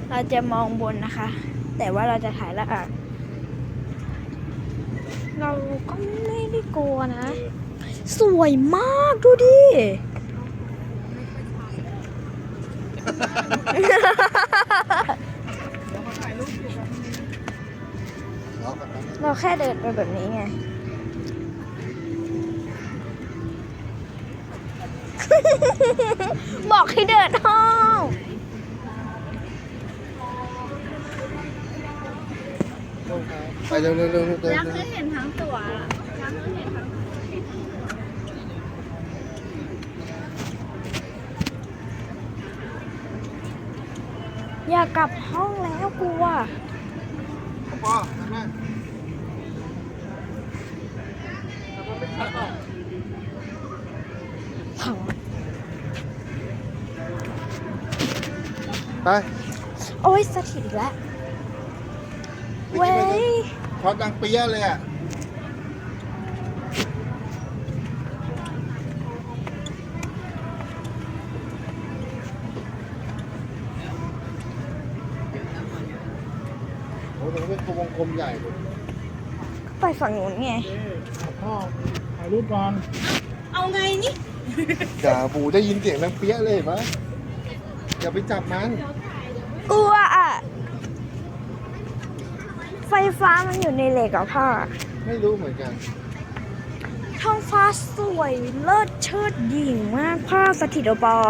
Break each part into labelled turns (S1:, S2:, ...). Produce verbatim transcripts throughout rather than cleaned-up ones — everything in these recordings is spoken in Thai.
S1: เราจะมองบนนะคะ แต่ว่าเราจะถ่ายละอ่ะเราก็ไม่ได้กลัวนะ สวยมากดูดิ เราแค่เดินไปแบบนี้ไง บอกให้เดินห้อง
S2: ไปเร็วเร็วเร็วเร็ว
S1: ยังไม่เห็นทั้งตัวยังไม่เห็นทั้งอยากกลับห้องแล้วกลัว
S2: ปอทำไมไป
S1: โอ้ยสถิตอีกแล้ว เว้ย
S2: พอดังเปี้ยเลยอ่ะโอ้โหเป็นวงกลมใหญ่เลย
S1: ไปฝั่งนู้นไง
S2: พ่อถ่ายรูปก่อน
S1: เอาไงนี่
S2: อย่าบูได้ยินเสียงดังเปี้ยเลยเห็นไหมอย่าไปจับมัน
S1: กลัวอ่ะ ไฟฟ้ามันอยู่ในเหล็กอ่ะพ่อ
S2: ไม่รู้เหมือนกัน
S1: ท้องฟ้าสวยเลิศเชิดหยิ่งมากพ่อสถิตโอปอ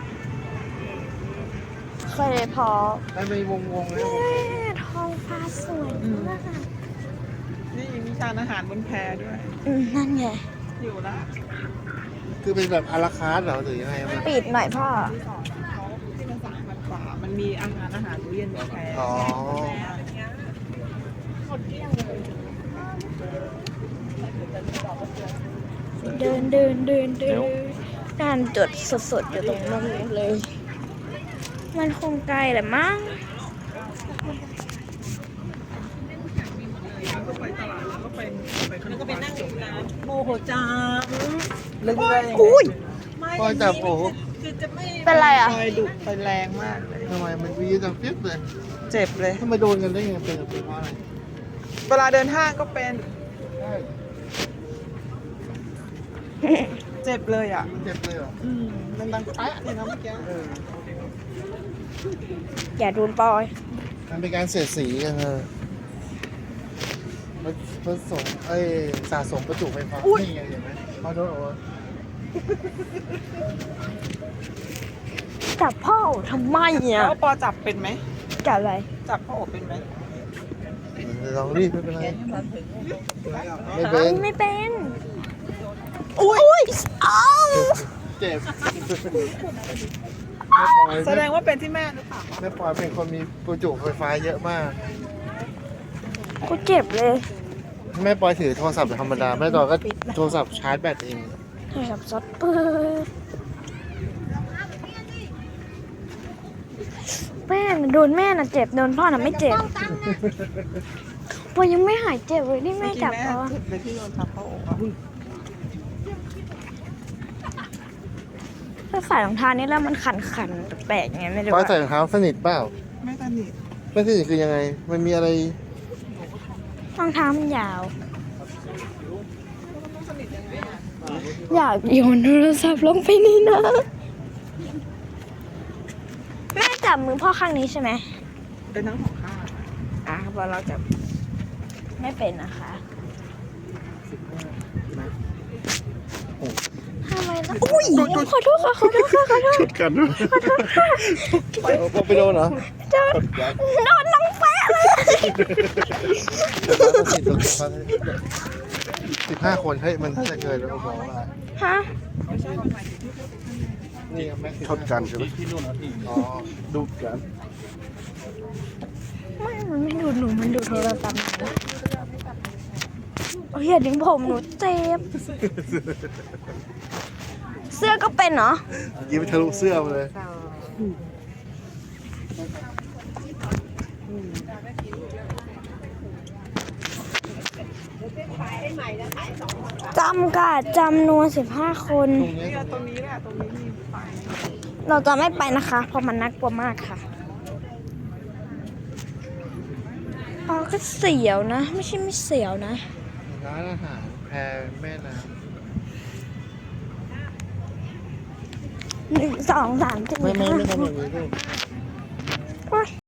S1: เคยเลยพอ
S2: ได้ไปวงวงๆเลย
S1: แม่ท้องฟ้าสวยมาก
S3: นี่มีชานอาหารบนแพด้วย
S1: อืมนั่นไง
S3: อยู่ละ
S2: คือเป็นแบบอาราคาร์ทเหรอหรือยังไงมัน
S1: ปิดหน่อยพ่อ
S3: ที่สองเขาที่มันสามพันกว่ามันมีอาหารอาหารมื้อเย็นบนแพ
S2: อ๋อ
S3: อะไรเงี้ยหมดเกลี้ยงเลย
S1: เดินเดินเดินเดินการจดสดๆอยู่ตรงนั้นเลย มันคงไกลแหละมั้ง
S3: แล้วก็ไปตลาดแล้วก็ไปไปแล้วก็ไปนั่งอยู่ร้านโมโหจังลึกเลย
S1: อุ้ย
S3: ไม่
S2: พ่อจับโอ้โห
S3: คือจะไม่
S1: เป็นไรอะ
S3: ไฟดุไฟแรงมากเลย
S2: ทำไมมันวีจังเปี้ยเลย
S3: เจ็บเลย
S2: ทำไมโดนกันได้ไงเป็นเป็นเพราะอะไร
S3: เวลาเดินห้างก็เป็น
S2: ใช่
S3: เจ็บเลยอ่ะ
S2: เจ็บเลยเหรอ
S3: อืมมันดังแป๊ะเลยนะเมื่อกี้
S2: เออ
S1: อย่าโดนปอย
S2: มันเป็นการเสียดสีกันเออมันผสมเอ้ยสะสมประจุไฟฟ้านี่ไงเห็นไหมพอโดนเอาวะ
S1: จับพ่อทำไมอ่ะ
S3: แล้วปอจับเป็นไหม
S1: จับอะไร
S3: จับพ่อโอบเป็นไหม
S2: ลองรีบไม่เป็นไรไม่เป็น
S1: ไม่เป็น อุ้ยอ้าว
S2: เจ็บแม่ปอย
S3: แสดงว่าเป็นที่แม่หรือเปล่า
S2: แม่ปอยเป็นคนมีประจุไฟฟ้าเยอะมาก
S1: กูเจ็บเลย
S2: แม่ปอยถือโทรศัพท์ธรรมดาแม่ตอยก็โทรศัพท์ชาร์จแบตเอง
S1: โทรศัพท์ซดเปิดแม่น่ะโดนแม่น่ะเจ็บโดนพ่อน่ะไม่เจ็บพอยังไม่หายเจ็บเลยที่แม่จับเขาอะ
S3: เลยที่โดนทับพ่อโอบอะ
S1: ถ้าใส่รองเท้านี่แล้วมันขันขันๆแปลกๆไงไม่รู้
S2: ปอย
S1: อะ
S2: ใส่รองเท้าสนิทเปล่า
S3: ไม่สนิท
S2: ไม่สนิทคือยังไง มันมีอะไร
S1: รองเท้ามันยาว อยากโยนโทรศัพท์ลงไปนี่นะ แม่จับมือพ่อข้างนี้ใช่ไหม
S3: เป็นทั้งสองข้าง
S1: อ่ะพอเราจับไม่เป็นนะคะทำไมนะอุ้ยขอโทษค่ะขอโทษค่ะขอโทษ
S2: ชุดกันด้วยไปโดนเหรอ
S1: โดนโดนน้องแปะเลย
S2: สิบห้าคนเฮ้ยมันจะเกินแล้วบอกว่า
S1: ฮะ
S2: นี่แม็กชนกันใช่ไหมที่นู่นอ๋อดูกัน
S1: ไม่มันไม่ดูดหนูมันดูดโทรศัพท์หนูโอ้ยอย่าดึงผมหนูเจ็บเสื้อก็เป็นเหรอ
S2: ยิงไปทะลุเสื้อมาเลย
S1: จำกัดจำนวนสิบห้าคน
S2: ตรงนี้
S3: เนี่ยตรงนี้แหละตรงนี้มีไฟ
S1: เราจะไม่ไปนะคะ เพราะมันน่ากลัวมากค่ะอ๋อก็เสียวนะ ไม่ใช่ไม่เสียวนะ
S2: ร้านอาหารแพแม่น้
S1: หนึ่งสองสามสี่
S2: ำไม่ไม่
S1: ห้า
S2: ไม่ทำแบบนี้ลูก
S1: โอ๊ย